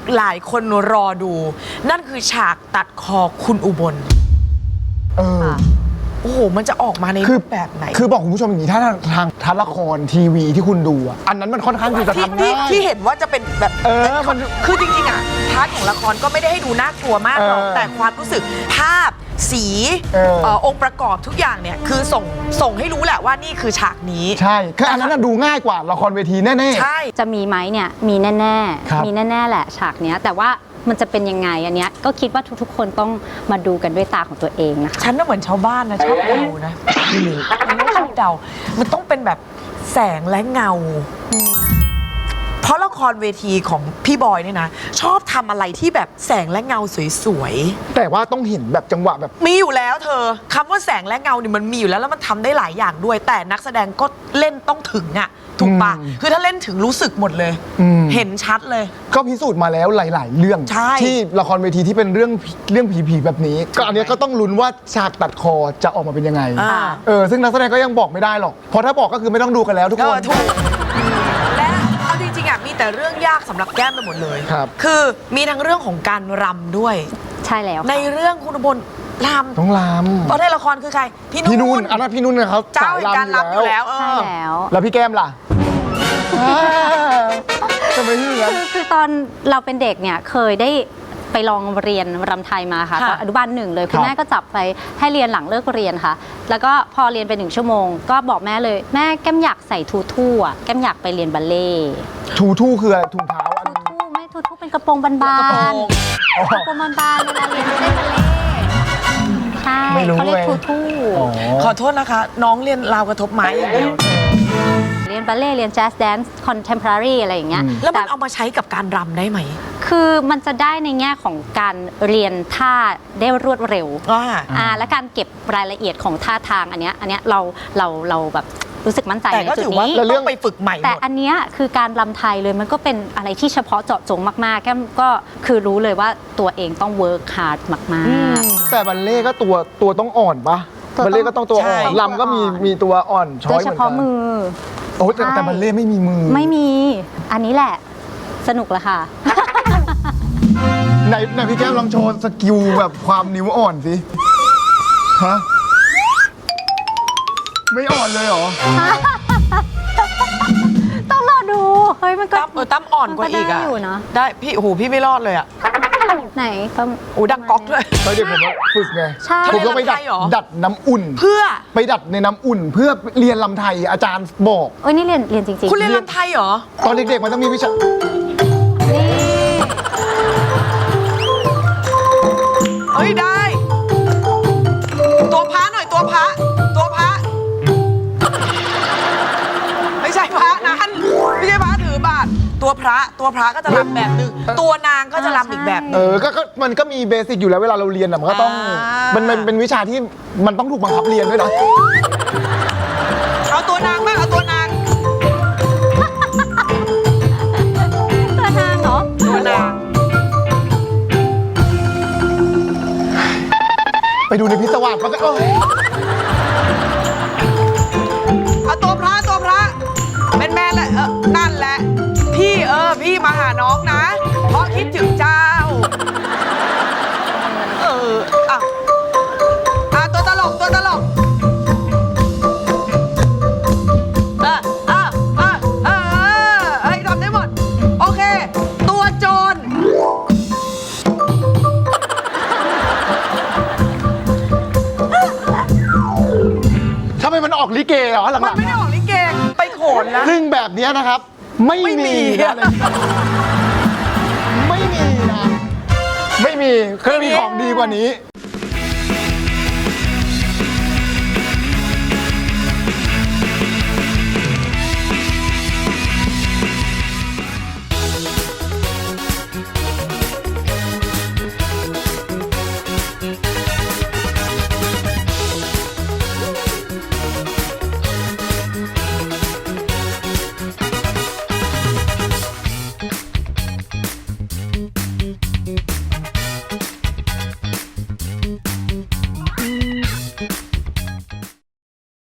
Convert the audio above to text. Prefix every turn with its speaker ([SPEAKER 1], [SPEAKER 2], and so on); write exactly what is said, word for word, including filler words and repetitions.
[SPEAKER 1] หลายคนรอดู นั่นคือฉากตัดคอคุณอุบล
[SPEAKER 2] เออ
[SPEAKER 1] โอ้โหมันจะออกมาในรูปแบบไหน
[SPEAKER 2] คือบอกคุณผู้ชมอย่างนี้ถ้าทางทัศละครทีวีที่คุณดูอ่ะอันนั้นมันค่อนข้างที่จะทำง่าย
[SPEAKER 1] ที่เห็นว่าจะเป็นแบบ
[SPEAKER 2] เออมัน
[SPEAKER 1] คือจริงๆอ่ะพาร์ทของละครก็ไม่ได้ให้ดูน่ากลัวมากหรอกแต่ความรู้สึกภาพสีองค์ประกอบทุกอย่างเนี่ยคือส่งส่งให้รู้แหละว่านี่คือฉากนี้
[SPEAKER 2] ใช่คืออันนั้นดูง่ายกว่าละครเวทีแน่
[SPEAKER 1] ๆใช่
[SPEAKER 3] จะมีไหมเนี่ยมีแน่ๆมีแน่ๆแหละฉากเนี้ยแต่ว่ามันจะเป็นยังไงอันเนี้ยก็คิดว่าทุกๆคนต้องมาดูกันด้วยตาของตัวเองนะคะ
[SPEAKER 1] ฉันน่ะเหมือนชาวบ้านนะชอบเดานะพี่มิวมันไม่ชอบเดามันต้องเป็นแบบแสงและเงาเพราะละครเวทีของพี่บอยเนี่ยนะชอบทำอะไรที่แบบแสงและเงาสวย
[SPEAKER 2] ๆแต่ว่าต้องเห็นแบบจังหวะแบบ
[SPEAKER 1] มีอยู่แล้วเธอคำว่าแสงและเงาเนี่ยมันมีอยู่แล้วแล้วมันทำได้หลายอย่างด้วยแต่นักแสดงก็เล่นต้องถึงอ่ะถูกปะคือถ้าเล่นถึงรู้สึกหมดเลยเห็นชัดเลย
[SPEAKER 2] ก็พิสูจน์มาแล้วหลายๆเรื่องที่ละครเวทีที่เป็นเรื่องเรื่องผีๆแบบนี้ก็อันนี้ก็ต้องลุ้นว่าฉากตัดคอจะออกมาเป็นยังไงเออซึ่งนักแสดงก็ยังบอกไม่ได้หรอกเพราะถ้าบอกก็คือไม่ต้องดูกันแล้วทุกคน
[SPEAKER 1] และเอาจริงๆอ่ะมีแต่เรื่องยากสำหรับแก้มไปหมดเลย
[SPEAKER 2] ครับ
[SPEAKER 1] คือมีทั้งเรื่องของการรำด้วย
[SPEAKER 3] ใช่แล้ว
[SPEAKER 1] ในเรื่องคุณอุบลรำ
[SPEAKER 2] ต้องรำ
[SPEAKER 1] เพราะในละครคือใคร
[SPEAKER 2] พี่นุ่นอันนั้นพี่นุ่นนะครับ
[SPEAKER 1] เจ้าแห่งการรำอยู่แล้ว
[SPEAKER 3] ใช่แล้ว
[SPEAKER 2] แล้วพี่แก้มล่ะทำไมที่นั้น
[SPEAKER 3] คือคือตอนเราเป็นเด็กเนี่ยเคยได้ไปลองเรียนรำไทยมาค่ะตอนอนุบาลหนึ่งเลยคุณแม่ก็จับไปให้เรียนหลังเลิกเรียนค่ะแล้วก็พอเรียนไปหนึ่งชั่วโมงก็บอกแม่เลยแม่แก้มอยากใส่ทูทู่อ่ะแก้มอยากไปเรียนบัลเล่
[SPEAKER 2] ทูทู่คืออะไรถุงเท้า
[SPEAKER 3] ทูทู่ไม่ทูทู่เป็นกระโปรงบานๆกระโปรงบานๆเวลาเรียนไม่ได้บัลเล่ใช่เขาเรียกทูทู่
[SPEAKER 1] ขอโทษนะคะน้องเรียนราวกระทบไม้อย่างเดียว
[SPEAKER 3] เรียนบัลเล่เรียนแจ๊สแดนซ์คอนเทมพอรารีอะไรอย่างเงี้ย
[SPEAKER 1] แล้วมันเอามาใช้กับการรำได้ไหม
[SPEAKER 3] คือมันจะได้ในแง่ของการเรียนท่าได้รวดเร็วอ่าและการเก็บรายละเอียดของท่าทางอันเนี้ยอันเนี้ยเราเราเราแบบรู้สึกมั่นใจในจุดนี้
[SPEAKER 1] แต่ก็ถือว่าต้องไปฝึกใหม่
[SPEAKER 3] แต่อันเนี้ยคือการรำไทยเลยมันก็เป็นอะไรที่เฉพาะเจาะจงมากๆแก้มก็คือรู้เลยว่าตัวเองต้องเวิร์คฮาร์ดมาก
[SPEAKER 2] ๆแต่บัลเล่ก็ตัวตัวต้องอ่อนปะบัลเล่ก็ต้องตัวอ่อนรำก็มีมีตัวอ่อนช้อยเหมือนกันโดยเฉพาะมือโอ้แต่แต่บัลเล่ไม่มีมือ
[SPEAKER 3] ไม่มีอันนี้แหละสนุกละค่ะ
[SPEAKER 2] ไหนไหนพี่แก้มลองโชว์สกิลแบบความนิ้วอ่อนสิฮะไม่อ่อนเลยเหรอ
[SPEAKER 3] ต้องรอดูเฮ้ยมันก็
[SPEAKER 1] เออตั้มอ่อนกว่าอีกอ่ะได้พี่โอ้โหพี่ไม่รอดเลยอ่ะ
[SPEAKER 3] ไหนตั้ม
[SPEAKER 1] โอ้ดังก๊อกด้วย
[SPEAKER 2] ตอนเด็กผมฝึกไงผมก็ไปดัดดัดน้ำอุ่น
[SPEAKER 1] เพื่อ
[SPEAKER 2] ไปดัดในน้ำอุ่นเพื่อเรียนลำไทยอาจารย์บอก
[SPEAKER 3] เอ้ยนี่เรียนเรียนจริงๆ
[SPEAKER 1] คุณเรียนลำไทยเหรอ
[SPEAKER 2] ตอนเด็กๆมันต้องมีวิชา
[SPEAKER 1] เฮ้ยได้ตัวพระหน่อยตัวพระตัวพระไม่ใช่พระนั้นไม่ใช่พระถือบาตรตัวพระตัวพระก็จะรำแบบนึงตัวนางก็จะรำอีกแบบนึง
[SPEAKER 2] เออก็มันก็มีเบสิกอยู่แล้วเวลาเราเรียนอ่ะมันก็ต้องมันมันเป็นวิชาที่มันต้องถูกบังคับเรียนด้วยนะ
[SPEAKER 1] เอาตัวนางบ้างเอาตัวนาง
[SPEAKER 3] ตัวนางเหรอ
[SPEAKER 1] ตัวนาง
[SPEAKER 2] ไปดูในพิศวาสมันก็
[SPEAKER 1] เอาตัวพระตัวพระเป็นแม่แหละเออนั่นแหละพี่เออพี่มาหาน้องนะเพราะคิดถึงเจ้าเอออ่ะอ่ะตัวตลกตัวตลกเออเออเออเออเฮ้ยทำได้หมดโอเคตัวโจร
[SPEAKER 2] ทำไมมันออกลิเกเหรอหลังๆ
[SPEAKER 1] มันไม่ได้ออกลิเกไปโขนนะ
[SPEAKER 2] ซึ่งแบบนี้นะครับไม่มีนะไม่มีนะไม่มีเคยมีของดีกว่านี้